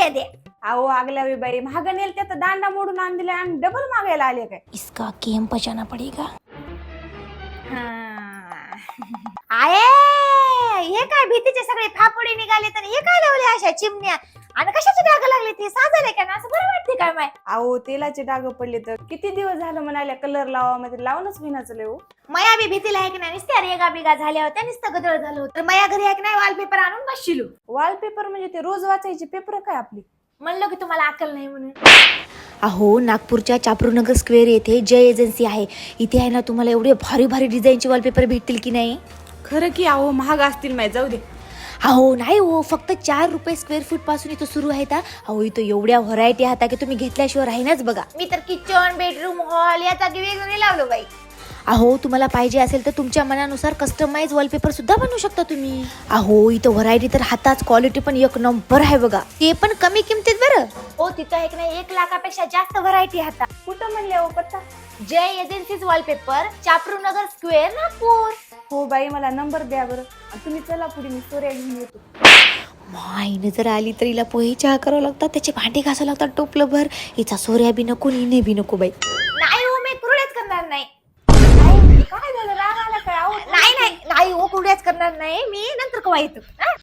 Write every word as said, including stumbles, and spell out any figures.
दे दे. अहो आगल्या वे बाई महाग नेल त्यात दांडा मोडून आण दिला आणि डबल मागायला आले काय. इसका गेम बचाना पडेगा. आये हे काय भीतीचे सगळे फापुडे निघाले तर हे काय लावले अशा चिमण्या आणि कशाचे डाग लागले ते साजले का ना असं बरं वाटते काय माय. अहो तेलाचे डाग पडले तर किती दिवस झालं म्हणाल्या कलर लावा मध्ये लावूनच विनाच लेऊ. मया बी भीतीला आहे की नाही नुसत्या रेगा बिगा झाल्या होत्या नुसतं गदळ झालं होतं तर मया घरी आहे की नाही वॉलपेपर आणून बसशिलो. वॉलपेपर म्हणजे ते रोज वाचायची पेपर काय आपली. म्हणलं की तुम्हाला अक्कल नाही म्हणून. अहो नागपूरच्या चापरूनगर स्क्वेअर येथे जय एजन्सी आहे. इथे आहे ना तुम्हाला एवढे भारी भारी डिझाईनचे वॉलपेपर भेटतील की नाही. खरं की अहो महाग असतील माहिती जाऊ दे. अहो नाही हो फक्त चार रुपये स्क्वेअर फूट पासून इथं सुरू आहेत. अहो इथं एवढ्या व्हरायटी आहेत की तुम्ही घेतल्याशिवाय राहीनच बघा. मी तर किचन बेडरूम हॉल या जागी वेगवेगळे लावलो बाई. अहो तुम्हाला पाहिजे असेल तर तुमच्या मनानुसार कस्टमाइज वॉलपेपर सुद्धा बनवू शकता तुम्ही. अहो इथं व्हरायटी तर हाताच क्वालिटी पण एक नंबर आहे बघा. ते पण कमी किमतीत बरं. हो तिथं एक नाही एक लाखापेक्षा जास्त व्हरायटी हाता. कुठं म्हणले हो पत्ता. Jai agencies wallpaper Chaprunagar square Nagpur. हो बाई मला नंबर द्या बरं. आणि तुम्ही चला पुढे मी सोऱ्या घेऊन येतो. माईने जर आली तर हिला पोहे चहा करावं लागतात त्याचे भांडे घासावं लागतात टोपलं भर. हिचा सोऱ्या बी नको हिने बी नको बाई. नाही हो मी कुरड्याच करणार नाही. काय झालं राग आला काय. अहो नाही नाही नाही हो कुरड्याच करणार नाही मी नंतर कवा येतो.